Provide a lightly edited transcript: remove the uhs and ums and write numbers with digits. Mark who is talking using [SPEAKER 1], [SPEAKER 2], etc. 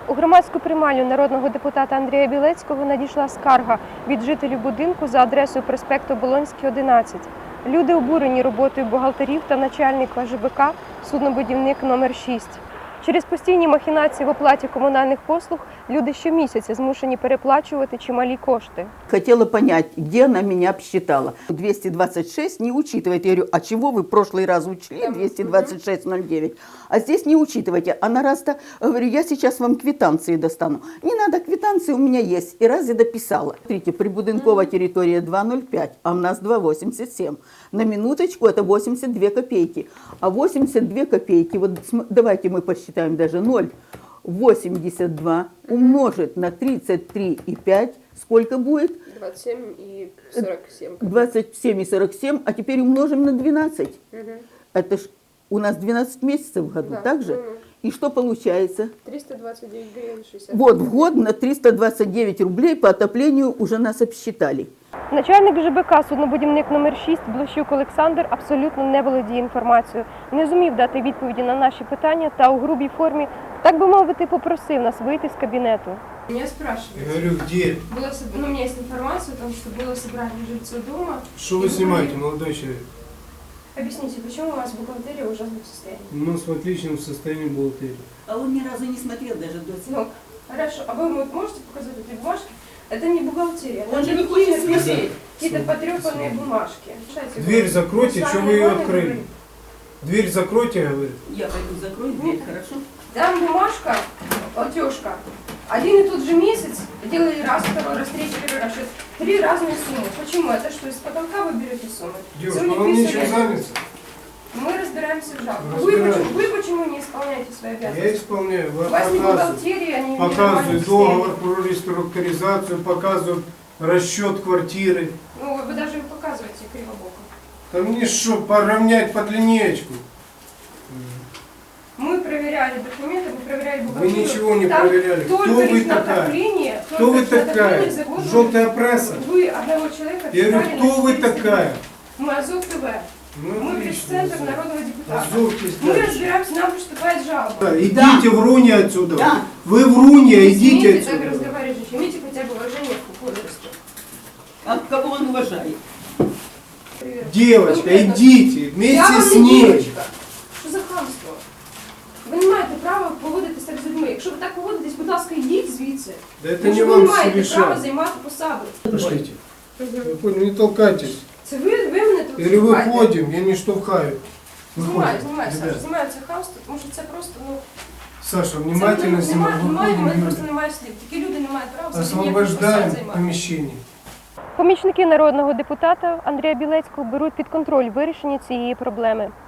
[SPEAKER 1] У громадську приймальню народного депутата Андрія Білецького надійшла скарга від жителів будинку за адресою проспект Оболонський, 11. Люди обурені роботою бухгалтерів та начальника ЖБК «Суднобудівник номер 6». Через постійні махінації в оплаті комунальних послуг люди щомісяця змушені переплачувати чималі кошти.
[SPEAKER 2] Хотела понять, где она меня обсчитала. 226 не учитывает. Я говорю, а чего вы в прошлый раз учли 226,09? А здесь не учитывайте. Она раз-то, говорю, я сейчас вам квитанции достану. Не надо, квитанции у меня есть. И раз я дописала. Смотрите, прибудинковая территория 2,05, а у нас 2,87. На минуточку это 82 копейки. А 82 копейки, вот давайте мы посчитаем даже 0,82 умножить на 33,5, сколько будет?
[SPEAKER 1] 27 и 47.
[SPEAKER 2] 27 и 47, а теперь умножим на 12. Это ж у нас 12 месяцев в году,
[SPEAKER 1] Да.
[SPEAKER 2] так же? И что получается?
[SPEAKER 1] 329 гривен 60.
[SPEAKER 2] Вот в год на 329 рублей по отоплению уже нас обсчитали.
[SPEAKER 1] Начальник ЖБК «Суднобудівник номер 6» Блощук Олександр абсолютно не володіє інформацією, не зумів дати відповіді на наші питання та у грубій формі, так би мовити, попросив нас вийти з кабінету.
[SPEAKER 3] Меня спрашивают.
[SPEAKER 4] Я говорю, где?
[SPEAKER 3] У меня есть информация о том, что было собрание жильцов дома.
[SPEAKER 4] Что вы снимаете, молодой человек?
[SPEAKER 3] Объясните, почему у вас бухгалтерия в ужасном состоянии?
[SPEAKER 4] У нас в отличном состоянии бухгалтерия.
[SPEAKER 2] А он ни разу не смотрел даже до
[SPEAKER 3] Ну, хорошо. А вы можете показать эти бумажки? Это не бухгалтерия.
[SPEAKER 2] Он
[SPEAKER 3] это
[SPEAKER 2] же не хочет
[SPEAKER 3] какие-то
[SPEAKER 4] смотреть.
[SPEAKER 3] потрепанные бумажки. Читайте,
[SPEAKER 4] Дверь закройте,
[SPEAKER 3] мы с
[SPEAKER 4] что
[SPEAKER 3] вами
[SPEAKER 4] вы ее
[SPEAKER 3] нормально
[SPEAKER 4] открыли?
[SPEAKER 3] говорим.
[SPEAKER 4] Дверь закройте, говорит.
[SPEAKER 2] Я пойду закрою дверь, хорошо?
[SPEAKER 3] Там бумажка, платежка. Один и тот же месяц делали раз, второй раз, третий, первый раз. Это 3 разные суммы. Почему? Это что, из потолка вы берете суммы?
[SPEAKER 4] Девушка,
[SPEAKER 3] Сегодня
[SPEAKER 4] вам
[SPEAKER 3] писали-
[SPEAKER 4] нечем заняться?
[SPEAKER 3] Мы разбираемся в жалобах.
[SPEAKER 4] Разбираемся.
[SPEAKER 3] Вы почему не исполняете свои
[SPEAKER 4] Я
[SPEAKER 3] обязанности?
[SPEAKER 4] исполняю,
[SPEAKER 3] У вас не
[SPEAKER 4] показываю.
[SPEAKER 3] бухгалтерия, они
[SPEAKER 4] Показываю договор про реструктуризацию, показываю расчет квартиры.
[SPEAKER 3] Ну, вы даже им показываете кривобоко.
[SPEAKER 4] Да мне что, поравнять под линеечку?
[SPEAKER 3] Мы проверяли документы, мы проверяли
[SPEAKER 4] Вы
[SPEAKER 3] бухгалтерию.
[SPEAKER 4] ничего не
[SPEAKER 3] Там
[SPEAKER 4] проверяли. Кто
[SPEAKER 3] только
[SPEAKER 4] вы
[SPEAKER 3] лишь на
[SPEAKER 4] такая?
[SPEAKER 3] отопление,
[SPEAKER 4] Кто
[SPEAKER 3] только
[SPEAKER 4] вы
[SPEAKER 3] лишь на отопление
[SPEAKER 4] такая?
[SPEAKER 3] за год
[SPEAKER 4] Желтая пресса?
[SPEAKER 3] Вы одного человека
[SPEAKER 4] Я говорю,
[SPEAKER 3] отправили
[SPEAKER 4] кто
[SPEAKER 3] на
[SPEAKER 4] вы
[SPEAKER 3] 400
[SPEAKER 4] такая?
[SPEAKER 3] дней. Мы Азов ТВ.
[SPEAKER 4] Ну,
[SPEAKER 3] Мы
[SPEAKER 4] отлично,
[SPEAKER 3] пресс-центр
[SPEAKER 4] Азов.
[SPEAKER 3] народного депутата.
[SPEAKER 4] Азов
[SPEAKER 3] Мы
[SPEAKER 4] пиздец.
[SPEAKER 3] разбираемся, нам поступает жалоба.
[SPEAKER 4] Да, идите врунья отсюда.
[SPEAKER 2] Да.
[SPEAKER 4] Вы врунья,
[SPEAKER 3] Не
[SPEAKER 4] идите
[SPEAKER 3] смейте так
[SPEAKER 4] отсюда.
[SPEAKER 3] разговаривать, женщина. Имейте хотя бы уважение к возрасту.
[SPEAKER 2] А кого он уважает?
[SPEAKER 3] Привет.
[SPEAKER 4] Девочка,
[SPEAKER 3] Конкретно.
[SPEAKER 4] идите
[SPEAKER 3] Я
[SPEAKER 4] вместе
[SPEAKER 3] вам
[SPEAKER 4] с
[SPEAKER 3] не
[SPEAKER 4] ней.
[SPEAKER 3] девочка. Що за хамство? Ви не маєте права поводитися так з людьми. Якщо ви так поводитесь, будь ласка, йдіть звідси.
[SPEAKER 4] Да это
[SPEAKER 3] Тому
[SPEAKER 4] не
[SPEAKER 3] що ви
[SPEAKER 4] вам
[SPEAKER 3] не
[SPEAKER 4] все
[SPEAKER 3] маєте права
[SPEAKER 4] решать.
[SPEAKER 3] займати посаду.
[SPEAKER 4] Пошлите. Вы поняли, не толкайтесь.
[SPEAKER 3] Це ви мене тут
[SPEAKER 4] Или
[SPEAKER 3] штовхаєте.
[SPEAKER 4] выходим, я не штовхаю.
[SPEAKER 3] Знімаю,
[SPEAKER 4] Выходим.
[SPEAKER 3] Саша,
[SPEAKER 4] Ребят,
[SPEAKER 3] знімаю це хамство, тому що це просто, ну...
[SPEAKER 4] Саша,
[SPEAKER 3] Це
[SPEAKER 4] внимательно
[SPEAKER 3] немає, у мене
[SPEAKER 4] выходим.
[SPEAKER 3] просто
[SPEAKER 4] Люди.
[SPEAKER 3] немає слів. Такі люди не мають права взагалі ніяких
[SPEAKER 4] Освобождаем
[SPEAKER 3] посад займати.
[SPEAKER 4] помещение.
[SPEAKER 1] Помічники народного депутата Андрія Білецького беруть під контроль вирішення цієї проблеми.